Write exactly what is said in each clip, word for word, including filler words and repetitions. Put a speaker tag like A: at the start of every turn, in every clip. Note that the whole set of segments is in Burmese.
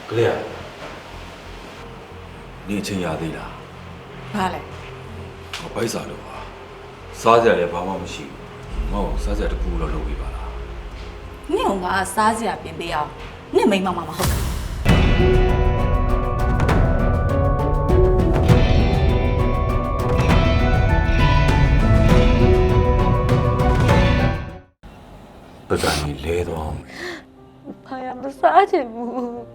A: ကလေးอ่ะနေချင်းရသေးလားဘာလဲဟောဘိုက်စားလို့ပါစားစရာလည်းဘာမှမရှိဘူးမဟုတ်စားစရာတခုတော့လုပ်ပေးပါလားနင့်ကစားစရာပြင်ပေးအောင်နင့်မိမမမဟုတ်ပဒန်ကြီးလဲတော့
B: ဘာရမစားချင်ဘူး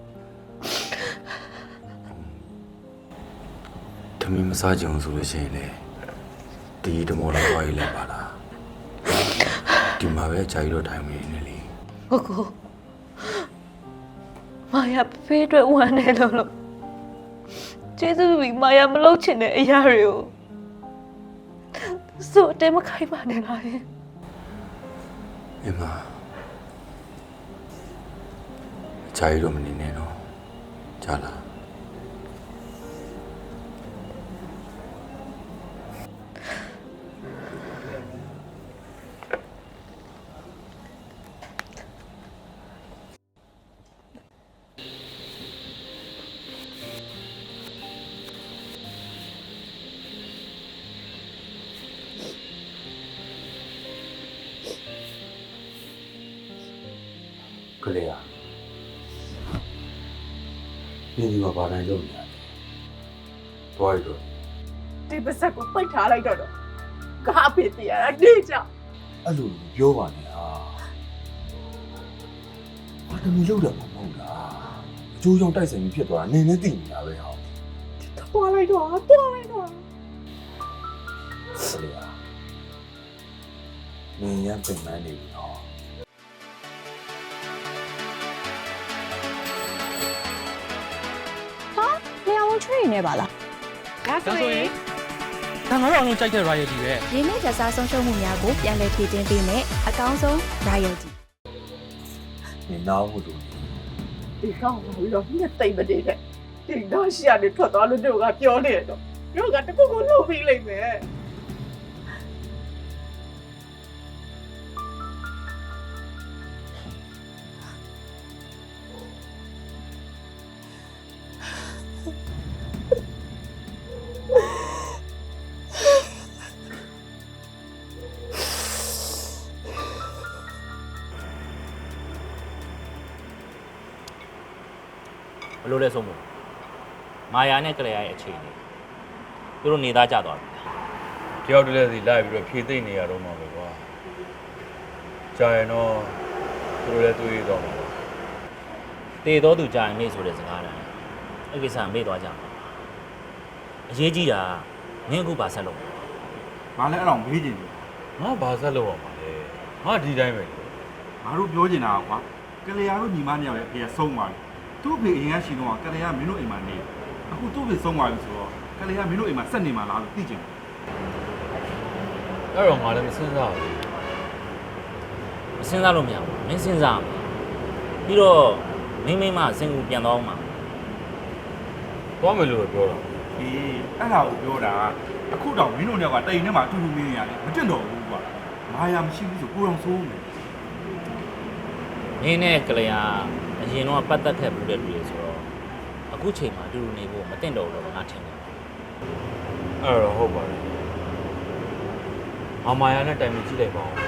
A: တမီးမစားကြအောင်ဆိုလို့ရှိရင်လေဒီတမောတော့သွားရလဲပါလားဒီမှာပဲကြာကြီးတော့ထိုင်နေနေလေ
B: ကိုကိုမာယာဖေးအတွက်ဝမ်းနေလို့လို့ကျေးဇူးပြီးမာယာမလုပ်ချင်တဲ့အရာတွေကိုစိုးအတဲမခိုင်းပါနဲ့လား
A: အမကြာကြီးတော့မနေနဲ့တော့ကြာလားကလေးอ่ะနေဒီမှာဘာတိုင်းလုပ်နေရလဲတွားရတော့
C: ဒီပါစက်ကိုပိတ်ထားလိုက်တော့တော့ကားဖြစ်ပြရတာနေကြ
A: အဲ့လိုပြောပါနဲ့ဟာဘာတမီလုပ်တယ်မဟုတ်လားအကျိုးကြောင့်တိုက်ဆိုင်ပြီးဖြစ်သွားတာနင်းနဲ့သိနေတာပဲဟော
C: တွားလိုက်တော့တွားလိုက်တော့
A: ကလေးอ่ะနင်းရပြင်မှန်းနေပြီနော်
B: ချွေနေပါလား
C: ဒါဆိုရင်
D: ဒါငါတို့အောင်လုံးကြိုက်တဲ့ royalty ပဲ
B: ရင်းနှီးကြစားဆုံးရှုံးမှုများကိုပြန်လည်ဖြည့်တင်းပေးမယ်အကောင်းဆုံး royalty
A: နေနောက်မှုတို့
C: ဒီကောင်ကရောမြတ်သိမ့်မတည်တဲ့ဒီတော့ရှီရနေထွက်သွားလို့တို့ကပြောနေတော့တို့ကတခုခုလုပ်ပြီးလိမ့်မယ်
D: ဘလို့လဲဆုံးမမာယာနဲ့ကလေးရဲ့အခြေအနေသူတို့နေသားကြသွားပြီ
A: တယောက်တည်းစီလိုက်ပြီးတော့ဖြေသိမ့်နေရတော့မှာပဲကွာကြာရင်တော့သူတို့လည်းတွေးတော့မှာပါ
D: တေတော်သူကြာရင်မေ့ဆိုတဲ့စကားတည်းအဲ့ကိစ္စမေ့သွားကြမှာအရေးကြီးတာမင်းအခုပါဆက်လို့
E: ငါလည်းအဲ့တော့မေးချင်တယ်
A: ငါဘာဆက်လို့ရမှာလဲငါဒီတိုင်းပဲ
E: ငါတို့ပြောချင်တာကွာကလေးရတို့ညီမနှစ်ယောက်ရဲ့အဖေကဆုံးသွားပြီသူ့ဖေအရင်ကရှိတော့ကလေးကမင်းတို့အိမ်မှာနေအခုသူ့ဖေဆုံးသွားပြီဆိုတော့ကလေးကမင်းတို့အိမ်မှာဆက်နေမှာလားလို့သိချင်တယ်
A: အဲ့တော့ငါလည်းမစဉ်းစားဘူး
D: မစဉ်းစားလို့မရဘူးမင်းစဉ်းစားပြီးတော့မင်းမိမစင်ကူပြန်သွားအောင်မှာ
A: သွားမယ်လို့ပြောတာ
E: အေးအဲ့ဒါကိုပြောတာအခုတော့မင်းတို့နှစ်ယောက်ကတိမ်ထဲမှာအတူတူနေရတယ်မတင်တော့ဘူးကွာမာယာမရှိဘူးဆိုကိုယ်တော်ဆိုးမယ်
D: မင်းနဲ့ကလေးကအရင်တော့ပတ်သက်ခဲ့ဘူးတဲ့လူတွေဆိုတော့အခုချိန်မှာအတူတူနေဖို့မတင်တော့ဘူးလို့ငါထင်တယ်
A: အဲ့တော့ဟုတ်ပါတယ်အမာယာနဲ့တိုင်ပင်ကြည့်လိုက်ပါဦး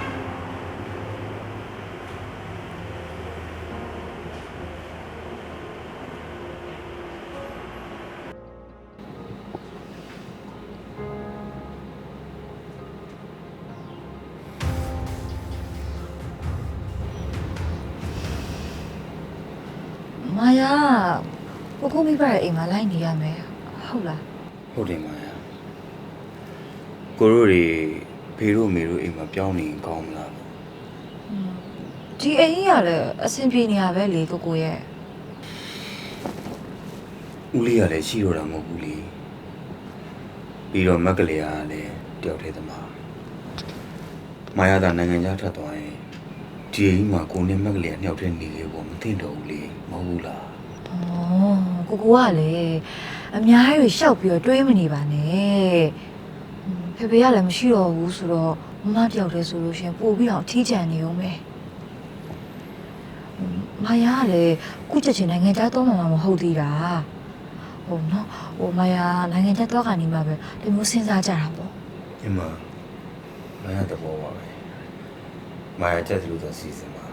B: မာယာကိုကိုမိဘရဲ့အိမ်မှာလိုက်နေရမယ်ဟုတ်လား
A: ဟုတ်တယ်မာယာကိုတို့တွေဖေတို့မေတို့အိမ်မှာပြောင်းနေရင်ကောင်းမလား
B: ဒီအိမ်ကြီးကလည်းအဆင်ပြေနေရပဲလေကိုကိုရဲ့
A: ဦးလေးကလည်းရှိတော့တာမဟုတ်ဘူးလေပြီးတော့မက်ကလေးကလည်းတယောက်တည်းသမားမာယာသာနိုင်ငံခြားထွက်သွားရင်ဒီအိမ်မှာကိုနဲ့မက်ကလေးကတယောက်တည်းနေလေပေါ့မသိတော့ဘူးလေမဟုတ်ဘူးလား
B: ဩကိုကိုကလည်းအများကြီးရှောက်ပြီးတော့တွေးမနေပါနဲ့ဖေဖေကလည်းမရှိတော့ဘူးဆိုတော့မမတယောက်တည်းဆိုလို့ရှင်ပို့ပြီးတော့အထီးကျန်နေအောင်ပဲမမာယာကလည်းခုချက်ချင်းနိုင်ငံခြားသွားမှမဟုတ်သေးတာဟိုနော်ဟိုမာယာနိုင်ငံခြားသွားကနေမှပဲဒီမျိုးစဉ်းစားကြတာပေါ့
A: အမမရတဲ့ဘောပါပဲမာယာချက်လို့တော့စီစဉ်ပါ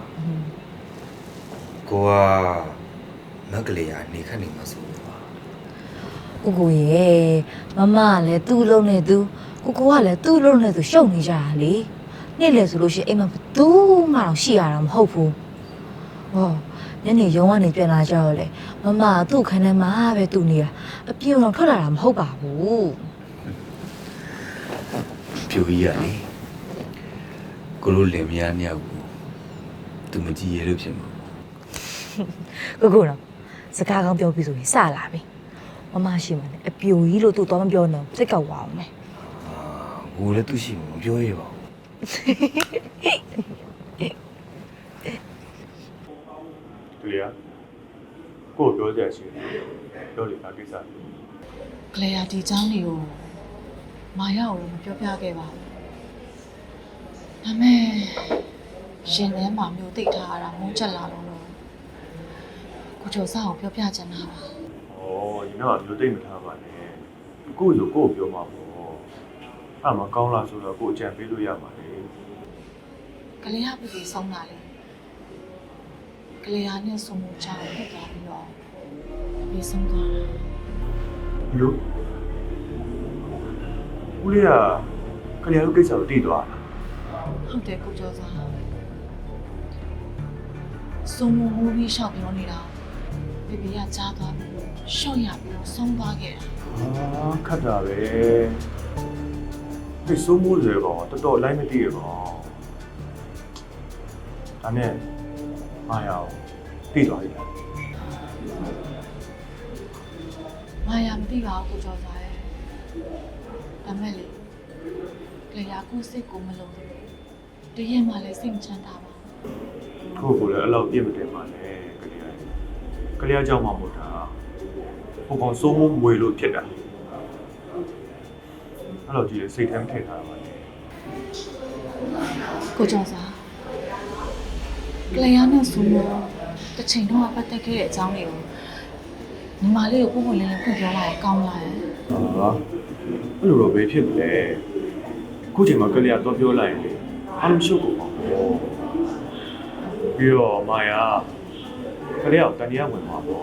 A: ကိုကမက်ကလေးကနေခက်နေမှာဆိုပါ
B: ကိုကိုရဲ့မမကလည်းသူ့လုံးနဲ့သူကိုကိုကလည်းသူ့လုံးနဲ့သူရှုပ်နေကြတာလေနေ့လေဆိုလို့ရှိရင်အိမ်မှာဘသူမှတော့ရှိရတာမဟုတ်ဘူးဟောညနေရုံးကနေပြန်လာကြတော့လေမမကသူ့ခန်းထဲမှာပဲသူ့နေတာအပြင်းတော့ထွက်လာတာမဟုတ်ပါဘူး
A: ပြူကြီးရလေကိုလိုလင်မယားနှစ်ယောက်ကိုသူမကြည့်ရလို့ဖြစ်မှာ
B: ကိုကိုတော့စကားကောင်းပြောပြီးဆိုရင်စလာပြီမမရှိမှလည်းအပြိုကြီးလို့သူတော့မပြောနဲ့စိတ်ကောက်သွားအောင်မယ်
A: အာကိုလည်းသူရှိမှာမပြောရပါဘူး
E: သူရကို့ပြောကြရှိတယ်ပြောလေဒါကိစ္စ
F: ကလေးယာဒီเจ้าနေကိုမာရအောင်လို့မပြောပြခဲ့ပါဘူးဒါမဲ့ရှင်ထဲမှာမျိုးသိထားရတာမုန်းချက်လာလို့လို့ကိုကျော်စားကိုပြောပြချင်တာပါ
G: 哦，你那有对没他吧呢？ကိုဆိုကိုပြောမှာပေါ့အဲ့မှာကောင်းလားဆိုတော့ကိုအကြံပေးလို့ရမှာလေ
F: ကလေးယာပြည်ဆုံးတာလေကလေးယာနဲ့ဆုံမှုချောင်းဖြစ်သွားပြီးတော့ပြည်ဆုံးသွားတာ
G: ဒီလိုဦးလေးကခလျာတို့ကိစ္စကိုတည်သွားတာ
F: ဟုတ်တယ်ကိုကျော်စားဆုံမှုမူပြီးရှောက်ပြောနေတာဘေဘီကကြားသွားပြီးရှော့ရပြီးတော့ဆုံးသွားခဲ့တာ
G: ဟာခတ်တာပဲဒီစိုးမိုးစေကောင်တော်တော်လိုက်မတည်ရကောင်ဒါနဲ့မာယာကိုတည်သွားပြီလား
F: မာယာမသိပါဘူးကိုကျော်စားရဲ့ဒါမဲ့လေကလေးယာကိုစိတ်ကိုမလုံးဘူးတကယ်မှလည်းစိတ်မချမ်းသာပါဘူး
G: ကိုကိုလည်းအဲ့လောက်ပြည့်မတင်ပါနဲ့ကလေးကကလေးကြောင့်မှမဟုတ်တာဟိုကောင်စိုးမိုးမွေလို့ဖြစ်တာအဲ့လိုကြည့်စိတ်ထဲမထည့်ထားတာပါနဲ့
F: ကိုကျော်စားကလေးယာနဲ့ဆိုလို့တစ်ချိန်တော့ပတ်သက်ခဲ့တဲ့အကြောင်းတွေကိုညီမလေးကိုပုံပုံလင်းလင်းဖွင့်ပြောလိုက်ရင်ကောင်းလားရဲ့
G: ဟာအဲ့လိုတော့ဘယ်ဖြစ်မလဲအခုချိန်မှာကလေးကတော့ပြောလိုက်ရင်လေအားလုံးရှုပ်ကုန်ပါဘောပြီးတော့မာယာကလေးကတန်တရားဝင်မှာပေါ့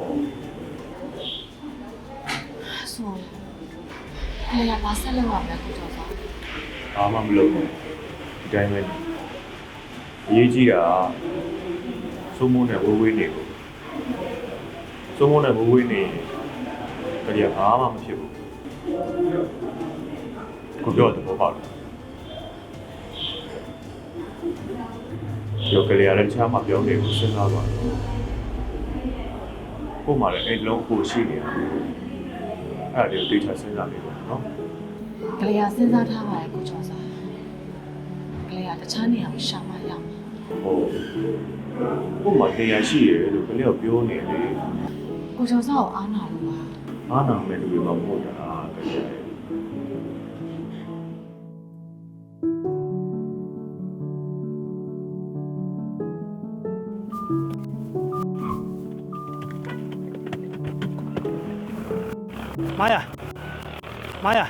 F: ဆိုကလေးယာပါဆက်လို့ရမယ်ကိုကျော်စား
G: ဘာမှမလုပ်ဘူးဒီတိုင်းပဲအရေးကြီးတာစိုးမိုးနဲ့ဝေးဝေးနေလို့စိုးမိုးနဲ့ဝေးဝေးနေကလေးကဘာမှမဖြစ်ဘူးကိုပြောတဲ့ဘောပါလို့ရောကလေးရတဲ့ချာမှာပြောနေကိုစဉ်းစားပါတော့ကို့မှာလည်းအဲ့လုံးကိုရှိနေတာအဲ့ဒါတွေကိုတိကျစဉ်းစားနေတော့နော်
F: ကလေးယာစဉ်းစားထားပါရဲ့ကိုကျော်စားကလေးယာတခြားနေရာကိုရှာမှရမှာ
G: ဟုတ်ကို့မှာတရားရှိရလို့ကလေးကပြောနေလေ
F: ကိုကျော်စားကိုအားနာလို့ပါ
G: အားနာမဲ့လူတွေမဟုတ်တာကလေး
H: မာယာမာယာ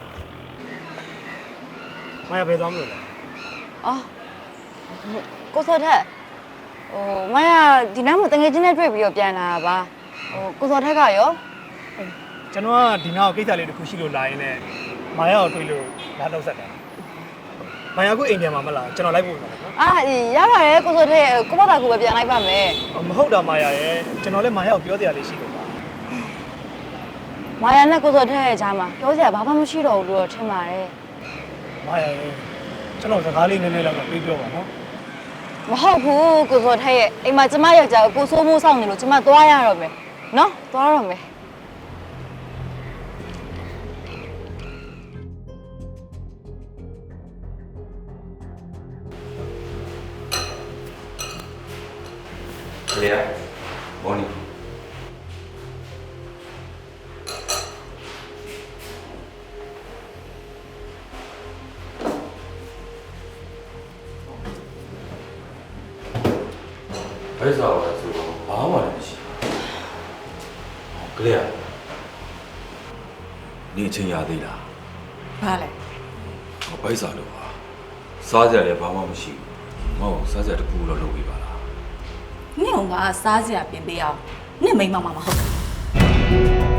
H: မာယာဘယ်သွားမလို့လဲ
I: အော်ကိုစောထက်ဟိုမရဒီနားမှာတငယ်ချင်းနဲ့တွေ့ပြီးတော့ပြန်လာတာပါဟိုကိုစောထက်ကရော
H: ကျွန်တော်ကဒီနောက်ကိစ္စလေးတစ်ခုရှိလို့လာရင်လည်းမာယာကိုတွေ့လို့လာတော့ဆက်တယ်မာယာကိုအိမ်ပြန်မှာမလားကျွန်တော်လိုက်ဖို့ပါနော်
I: အာရပါတယ်ကိုစောထက်ကိုပေါ့တာကိုပဲပြန်လိုက်ပါမယ်
H: မဟုတ်တာမာယာရဲ့ကျွန်တော်လည်းမာယာကိုပြောတရားလေးရှိလို့ပါ
I: မာယာနဲ့ကိုစောထက်ရဲ့ကြားမှာပြောစရာဘာမှမရှိတော့ဘူးလို့ထင်ပါတယ်
H: မာယာရဲ့ကျွန်တော်စကားလေးနည်းနည်းလောက်ပြေးပြောပါနော်
I: မဟုတ်ဘူးကိုစောထက်ရဲ့အိမ်မှာကျမယောက်ျားကိုကိုစိုးမိုးဆောင်နေလို့ကျမသွားရတော့မယ်နော်သွားတော့မယ်
A: ကလေးဘောနီ ဘယ်စားပါလဲဆိုတော့ကလေးอ่ะနေချင်းရသေးလား
F: ဘာလဲ
A: ဟောဘိုက်စားလို့ပါစားကြလည်းဘာမှမရှိဘူးမဟုတ်စားကြတကူတော့လုပ်ပြီးပါလား
F: နင့်ကစားစရာပြင်ပေးအောင်နင့်မိမမမဟုတ်ဘူး